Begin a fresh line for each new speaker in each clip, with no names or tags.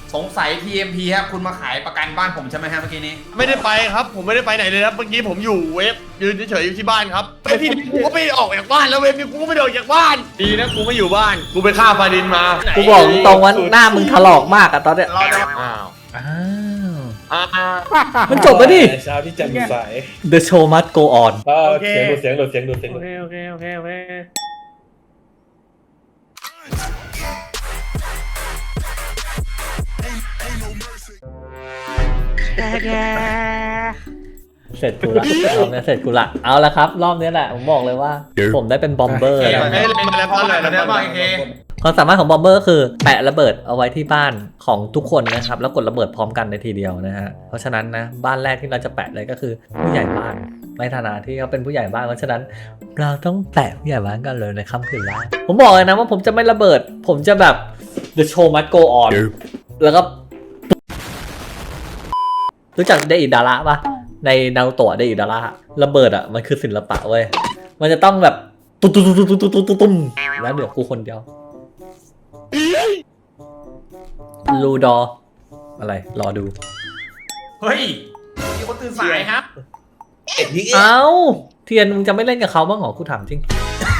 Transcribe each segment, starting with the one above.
สงสัย TMP ครับคุณมาขายประกันบ้านผมใช่ไหมฮะเมื่อกี้นี้
ไม่ได้ไปครับผมไม่ได้ไปไหนเลยครับเมื่อกี้ผมอยู่เวฟยืนเฉยๆอยู่ที่บ้านครับไอพี่กูก็ไม่ออกจากบ้านแล้วเวฟนี่กูก็ไม่ได้ออกจากบ้านดีนะกูไม่อยู่บ้านกูไปฆ่าฟาดินมา
กูบอกตรงว่าหน้ามึงถลอกมากอะตอนเนี้ย
เราจะ
อ้าว
อ้าว
อ้าว
มันจบแล้วดิ
เช้าที่แจ่มใส
The show must go on
เสียงดูเสียงดูเสียงดูเสียง
โอ
ดู
เคโอเคโอเคโอเค
เสร็จกูละรอบนี้เสร็จกูละเอาละครับ รอบนี้แหละผมบอกเลยว่า ผมได้เป็นบอมเบอร์แล้ว
ไม่ได้เป็นอะไรเพราะอะไร
เราได้บ้างเค
ความสามารถของบอมเบอร์คือแปะระเบิดเอาไว้ที่บ้านของทุกคนนะครับแล้วกดระเบิดพร้อมกันในทีเดียวนะฮะเพราะฉะนั้นนะบ้านแรกที่เราจะแปะเลยก็คือผู้ใหญ่บ้านในฐานะที่เขาเป็นผู้ใหญ่บ้านเพราะฉะนั้นเราต้องแปะผู้ใหญ่บ้านกันเลยในค่ำคืนแรกผมบอกเลยนะว่าผมจะไม่ระเบิด ผมจะแบบ the show must go on แล้วก็รู้จักเดอิดาระปะในนารูโตะเดอิดาระระเบิดอ่ะมันคือศิลปะเว้ยมันจะต้องแบบตุ้มตุ้มตุ้มตุ้มตุ้มตุ้มตุ้มแล้วเหลือกูคนเดียวลูดออะไรรอดู
เฮ้ยมีคนตื่นสายครับ
เอ้าเทียนมึงจะไม่เล่นกับเขาบ้างเหรอกูถามจริง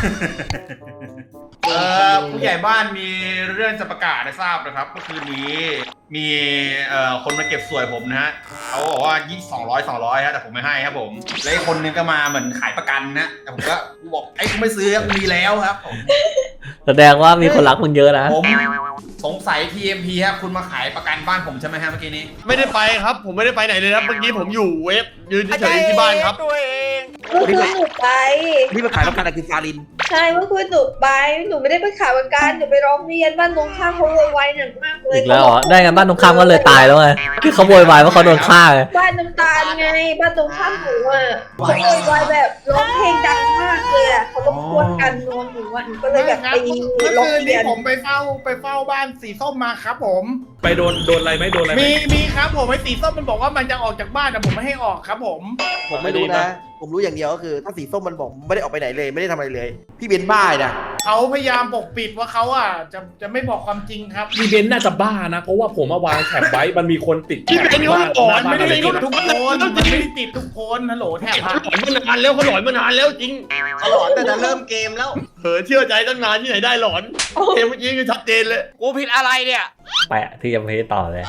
ผู้ใหญ่บ้านมีเรื่องจะประกาศให้ทราบนะครับเมื่อคืนนี้มีคนมาเก็บสวยผมนะฮะเขาบอกว่า200ฮะแต่ผมไม่ให้ครับผมแล้วอีกคนนึงก็มาเหมือนขายประกันนะแต่ผมก็บอกไอ้กูไม่ซื้อกูมีแล้วครับผม
แสดงว่ามีคนรักมึงเยอะนะ
ผมสงสัย TMP ครับคุณมาขายประกันบ้านผมใช่ไหมฮะเมื่อกี้นี้
ไม่ได้ไปครับผมไม่ได้ไปไหนเลยครับเมื่อกี้ผมอยู่เวฟยืนเฉยๆอยู่ที่บ้านครับ
เมื่อคืนหนูไป
พี่มาขายประกันอะไรคือฟาริน
ใช่เมื่อคืนหนูไป หนูไม่ได้ไปขายประกันหนูไปร้องเรียนบ้านตรงข้ามเขาโวยวายหนักมากเลย
อีกแล้วเหรอได้ไงบ้านตรงข้ามก็เลยตายแล้วไงคือเขาโวยวายว่าเขาโดนฆ่าไง
บ้านน้ำตาลไง บ้านตรงข้ามหนูอ่ะเขาโวยวายแบบร้องเพลงดังมากเลยอ่ะเขารบกวนกันนอนหนูอ่ะหนูก็เลยแบบไป
เมื่อ
ร้อง
คืน
เรี
นี้
ยน
ผมไปเฝ้าบ้านสีส้มมาครับผม
ไปโดนอะไรไหมโดนอะไรไหม
มีครับผมไอ้สีส้มมันบอกว่ามันจะออกจากบ้านแต่ผมไม่ให้ออกครับผม
ผมไม่รู้นะ ผมรู้อย่างเดียวก็คือ ถ้าสีส้มมันบอกไม่ได้ออกไปไหนเลย ไม่ได้ทำอะไรเลย พี่เบนบ้านะ
เขาพยายามปกปิดว่าเขาอ่ะจะไม่บอกความจริงครับ
มีเบนซ์น่าจะบ้านะ เพราะว่าผมมาวางแถบไว้มันมีคนติด
พี่เป็นนี่เขาหลอน
ไม่ได้
ไม่ได้
ติด
เขา
ทุกคนมันไม่ได้ติดทุกคนฮัลโหลแทบ
หลอนมานานแล้วเขาหลอนมานานแล้วจริง
หลอนแต่จะเริ่มเกมแล้ว
เผลอเชื่อใจตั้งนานที่ไหนได้หลอนเกมเมื่อกี้คือชัดเจนเลย
กูผิดอะไรเนี่ย
แปะที่ยังเพต่อเลย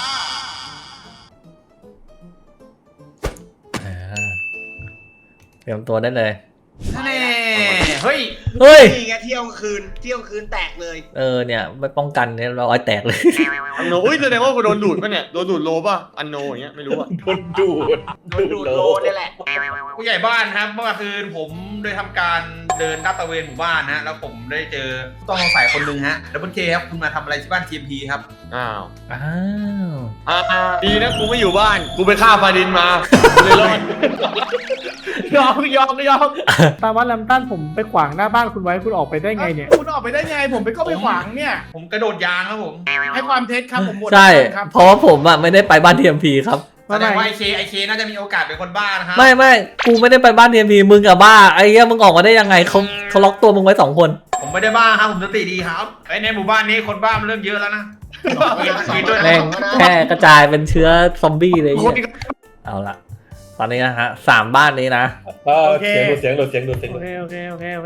เตรียมตัวได้เลย
นี่เฮ้ย
เฮ้ย
นี่ไงเที่ยวคืนแตกเลย
เนี่ยไม่ป้องกันเนี่ยเราอ้อยแตกเลย
อันโนอุ้ยแสดงว่ากูโดนดูดป่ะเนี่ยโดนดูดโลป่ะอันโนอย่างเงี้ยไม่รู้อ่ะ
โดนดูด
ดูดโลนี่แหละ
ผู้ใหญ่บ้านครับเมื่อคืนผมได้ทำการเดินลาดตระเวนหมู่บ้านนะแล้วผมได้เจอผู้ต้องสงสัยคนหนึ่งฮะดับเบิลเคครับคุณมาทำอะไรที่บ้าน TMP ครับ
อ้าว
อ้าว
ดีนะกูไม่อยู่บ้านกูไปฆ่าฟาดินมาเลยรอด
ยอม
ตามว่าแลมตันผมไปขวางหน้าบ้านคุณไว้คุณออกไปได้ไงเนี่ย
คุณออกไปได้ไงผมไปก็ไปขวางเนี่ย
ผมกระโดดยางครับผม
ให้ความเท็จครับผมหมด
ใช่
ครับ
เพราะว่าผมอ่ะไม่ได้ไปบ้าน TMP ครับ
แสดงว่าไอเคน่าจะมีโอกาสเป็นคนบ้านะครับ
ไม่กูไม่ได้ไปบ้าน TMP มึงกับบ้าไอ้เหี้ยมึงออกมาได้ยังไงเขาล็อกตัวมึงไว้2 คน
ผมไม่ได้บ้าครับผมสติดีครับในหมู่บ้านนี้คนบ้ามันเริ่มเยอะแล้วนะมีด้วยนะ
แม่งแค่กระจายเป็นเชื้อซอมบี้เลยเนี่ยเอาละตอนนี้นะฮะ3 บ้านนี้นะ
เสียงดูเสียงดูเสียงดูเสียง
โอ
ดู
เคโอเคโอเคโอเค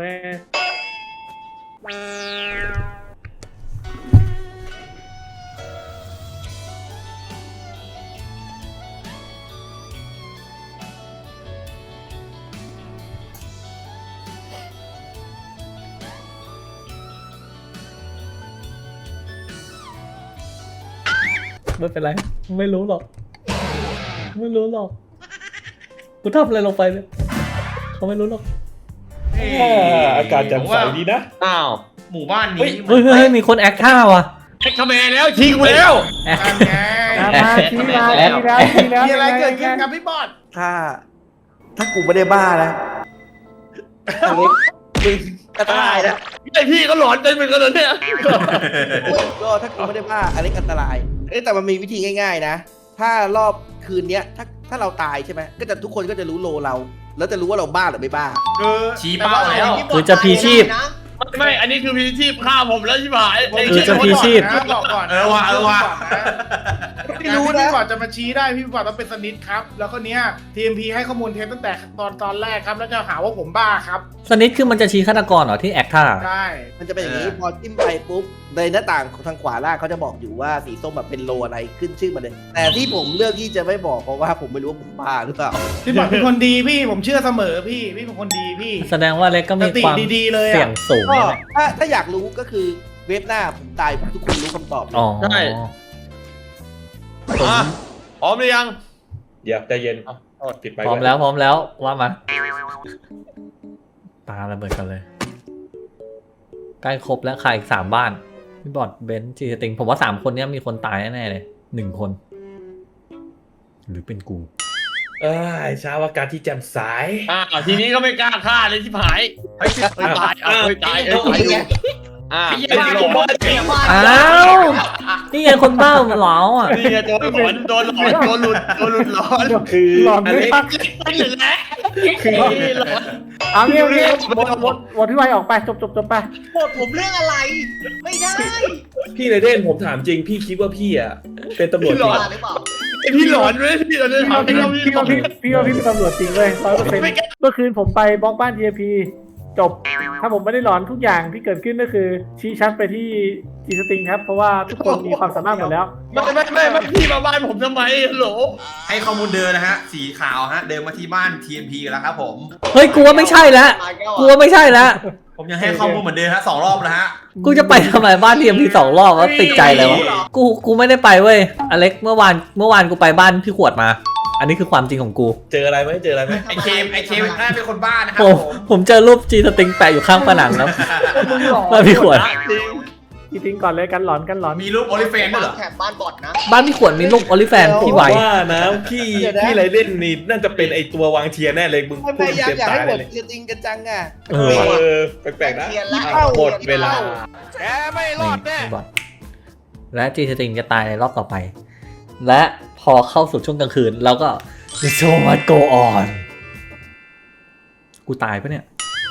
ไม่เป็นไรไม่รู้หรอกกูทำอะไรลงไปเนี่ยเขาไม่รู้หรอก
อากาศแจ่มใสดีนะ
อ้าว
หมู่บ้านนี้
เฮ้ยมีคนแอคท่าว่ะ
เช็คคาแมนแล้วชี้กูแล้ว
มาชี้แล้ว
มีอะไรเกิดขึ้นครับพี่บอส
ถ้ากูไม่ได้บ้านะอันนี้มึงอันตรายนะ
ไอพี่ก็หลอนจนเป็นขนาดเนี้ย
ก็ถ้ากูไม่ได้บ้าอันนี้อันตรายแต่มันมีวิธีง่ายๆนะ ถ้ารอบคืนเนี้ยถ้าเราตายใช่ไหมก็จะทุกคนก็จะรู้โลเรา แล้วจะรู้ว่าเราบ้าหรือไม่บ้า
ชี้เป้าแล้ว
คือจะพีชีพ
ไม่อันนี้คือพีชีพฆ่าผมแล้วชิบหาย
คือจะพีชีพ
บอกก่อน
เออว่ะ
ไม่รู้นะก่อนจะมาชี้ได้พี่บอกต้องเป็นสนิทครับ แล้วก็เนี้ย TMP ให้ข้อมูลเท็จตั้งแต่ตอนแรกครับ แล้วจะหาว่าผมบ้าครับ
สนิทคือมันจะชี้ฆาตกรเหรอที่แอคท่า
ใช่
มันจะเป็นอย่างนี้พอจิ้มไปปุ๊บในหน้าต่างทางขวาล่างเขาจะบอกอยู่ว่าสีส้มแบบเป็นโลอะไรขึ้นชื่อมาเลย แต่ที่ผมเลือกที่จะไม่บอกเพราะว่าผมไม่รู้ว่าผมบ้าหรือเปล่า
พี่บอกเป็นคนดีพี่ผมเชื่อเสมอพี่เป็นคนดีพี่
แสดงว่าเล็กก็มีความ
สติดีๆเลยอะ
เสี่ยงสูง
ก็
นะเนี่ย
ถ้าอยากรู้ก็คือเว็บหน้าผมตายทุกคนรู้คำตอบเลย
อ๋อ
ใช่พร้อมหรือยัง
เดี๋ยวใจเย็นปิดไป
พร้อมแล้วว่ามาปาระเบิดกันเลยใกล้ครบแล้วค่ะอีก3บ้านพี่บอดเบนซ์จีสติงผมว่า3คนเนี้ยมีคนตายแน่ๆเลย1 คน หรือเป็นกู
เช้าอากาศที่แจ่มใส
ทีนี้ก็ไม่กล้าฆ่าเลยชิบหายเฮ้ยตายตายอยู่เป็นหลอน
อ้าวนี่ไงคนบ้ามันเหลาอ่ะ
นี่ไงโดนหลอนโดนหลุดหลอน
คือ
หลอน
อ
ไม่
เล็ก
พัก
ไม่เหลือแล้วคือหลอน
เอาเงี้ยหมดพี่ไวออกไปจบไป
โทษผมเรื่องอะไร ไม่ได้
พี่เลยเด่นผมถามจริงพี่คิดว่าพี่อ่ะเป็นตำรวจจริง
หรือเปล่า
พี่หลอนไหมพี่หลอน
พี่ว่าพี่เป็นตำรวจจริงเลย100%เมื่อคืนผมไปบล็อกบ้าน TMP จบ ถ้าผมไม่ได้หลอนทุกอย่างที่เกิดขึ้นก็คือชี้ชัดไปที่จีสติงครับเพราะว่าทุกคนมีความสามารถหมดแล้ว
ไม่พี่มาบ้านผมทำไมฮัลโหล
ให้ข้อมูลเดินนะฮะสีขาวฮะเดินมาที่บ้าน TMP กันแล้วครับผม
เฮ้ยกูว่าไม่ใช่แล้วกูว่าไม่ใช่แล้ว
ผมยังให้ข้อมูลเหมือนเดิมฮะ2 รอบแล้วฮะ
กูจะไปทำไมบ้านทีมพี2 รอบว่าติดใจเลยวะกูไม่ได้ไปเว้ยอเล็กเมื่อวานกูไปบ้านพี่ขวดมา อันนี้คือความจริงของกู
เจออะไรไหม
ไอเคมน่าเป็นคนบ้านะครั
ผ
บ
มผมเจอรูปจีสติงแปะอยู่ข้างผนังแล้วบ้านพี่ขวด
จีสติงก่อนเลยกันหลอน
มีรูปโอลิเฟนด้วยเหรอ
แถบบ้านบอดนะ
บ้านพี่ขวดมีลูกโอลิแฟนพี่ไว
ว่านะพี่ไรเล่นนี่น่าจะเป็นไอตัววางเทียนแน่เลยมึง
พ
พูด
ยายาม
เต็ม
อยาก
ตา
ให้
ย
หมด
เลย
จีสติงกันจังอ่ะ
แปลกๆนะ
เทียนละ
หมดเวลา
แกไม่รอดแน่
นี่บอทและจีสติงจะตายในรอบต่อไป และพอเข้าสู่ช่วงกลางคืนเราก็ The show must go on กูตายปะเนี่ย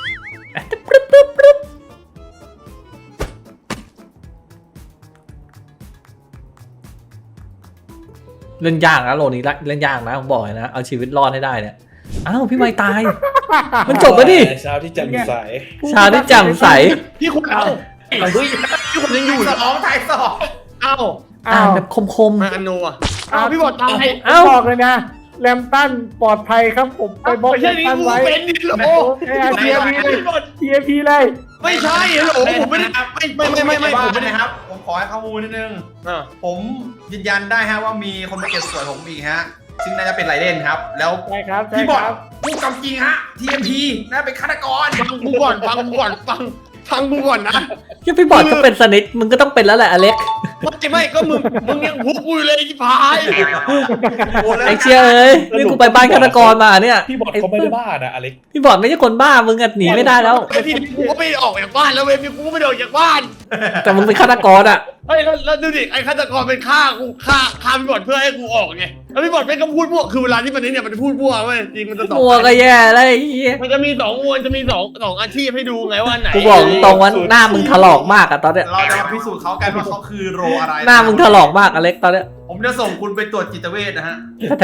เล่นยากนะโลนี้เล่นยากนะผมบอกเลยนะเอาชีวิตรอดให้ได้เนี่ยอ้าวพี่ไมค์ตาย มันจบแล้วดิ
เช้าที่แจ่มใส
ชาวที่แจ่มใส
พี่คุณเอาเฮ้ยพี่คุณยังอยู่
ถ่ายสอง
เอ้า
อ่านแบบคม
มาอันโนอ่ะพี่บอดตาย
เอ้า
บอกเลยนะแรมตันปลอดภัยครับผมไปบล็อก
ไม่
แร
ใช่
ม
นี่
ตัน
กู
ไว้
เป็นนี่โหล
TMP เลย
ไม่ใช่ฮัลโหลผมไม่ได้ไม่
บ้า
ผม
น
ไม่ได้
นะครับ ผมขอให้ข้อมูลนิดนึง ผมยืนยันได้ฮะว่ามีคนมาเก็บสวยผมอีกฮะ ซึ่งน่าจะเป็นไรเล่นครับ แล้ว
ใช่ครับ
พี่บอดพูดคำจริงฮะ TMP น่าเป็นฆาตกร
ฟังกูก่อนฟังกูก่อนนะ
ที่พี่บอดก็เป็นสนิทมึงก็ต้องเป็นแล้วแหละอเล็ก
ไม่ก็มึงยังพุกกูอยู่เลยที่พาย
ไอเชียเอ้ยนี่กูไปบ้านฆาตกรมาเนี่ย
พี่บอดเขาไม่ได้บ้านะอเล็ก
พี่บอดไม่ใช่คนบ้ามึงอะหนีไม่ได้แล้ว
พี่กูก็ไม่ออกจากบ้านแล้วเว้ยพี่กูก็ไม่ออกจากบ้าน
แต่มึงเป็นฆาตกรอะ
เฮ้ยแล้วดูดิไอ้ฆาตกรเป็นฆ่าพี่บอดเพื่อให้กูออกไงแล้วพี่บอดเป็นคำพูดพวกคือเวลาที่มันเนี่ยมันจะพูดพวกเว้ยจริงมันจะตอบ
มัวก็แย่แล้วไอ้เหี้ย
มันจะมี2 มวลจะมีสองอาชีพให้ดูไงว่าไหน
กูบอกตรงว่าหน้ามึงถลอกมากอะตอนเนี้ย
เราจะมาพิสูจน์เขากันว่าเขาคือโรอะไร
หน้ามึงถลอกมากอเล็กตอนเนี้ย
ผมจะส่งคุณไปตรวจจิตเวชนะฮะ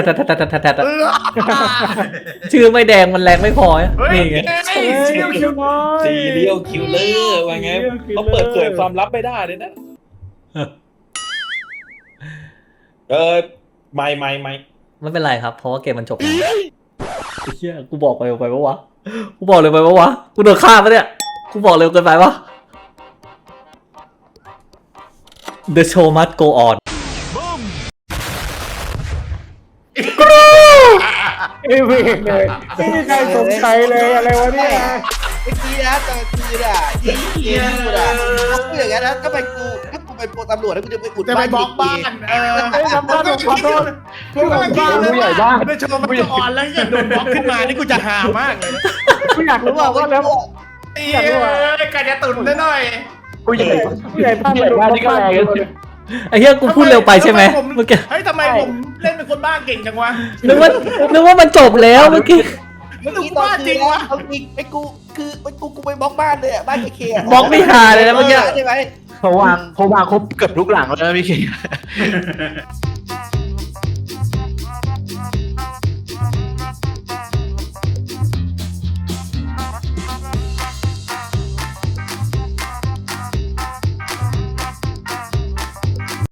ชื่อไม่แดงมันแรงไม่พอนี่ไง
คิวน้อย
ซีเรียลคิลเลอร์ว่าไงเขาเปิดเผยความลับไม่ได้เลยนะไม่
ไม่เป็นไรครับเพราะว่าเกมมันจบแล้วไอ้เหี้ยกูบอกไปปะวะกูบอกเลยไปปะวะกูโดนฆ่าปะเนี่ยกูบอกเร็วเกินไปปะ The show must go on
ไม่เองเลยไม่มีใครสงสัยเลยอะไรวะเนี่ย
เมื่อกี้นะตอนคืนอ่ะที่เกมพูดอ่ะเขาพูดอย่างนั้นนะก็ไปกูถ้ากูเป็นตำรวจแล้วกูจะไปอุด
จะไปบล็อกบ้าน
ไอ้ทำบ้านผมขอโทษ
ผู้ใหญ่บ้านได้ชมมันจะอ่อนแล้วจะโดนบล็อกขึ้นมานี่กูจะหามากเลย
กูอยากรู้ว่าแล้ว
ไก่จะตุ่นได้หน่อย
ผู้ใหญ่บ้านโดนบล็อกบ้านเลย
ไอ้เหี้ยกูพูดเร็วไปใช่ไหมเมื่อกี้
เฮ้ยทำไมผมเล่นเป็นคนบ้าเก่งจังวะ
นึกว่ามันจบแล้วเมื่อกี้
เมื่อกี้ตอนคืนนะเอาจริงไอ้กูคือไอ้กูไปบล็อกบ้านเลยอะบ้านเคอะ
บล็อกไม่หาเลยนะเมื่อกี้
ใช่ไหม
ผมวางครบเกือบทุกหลังแล้วนะพี่เค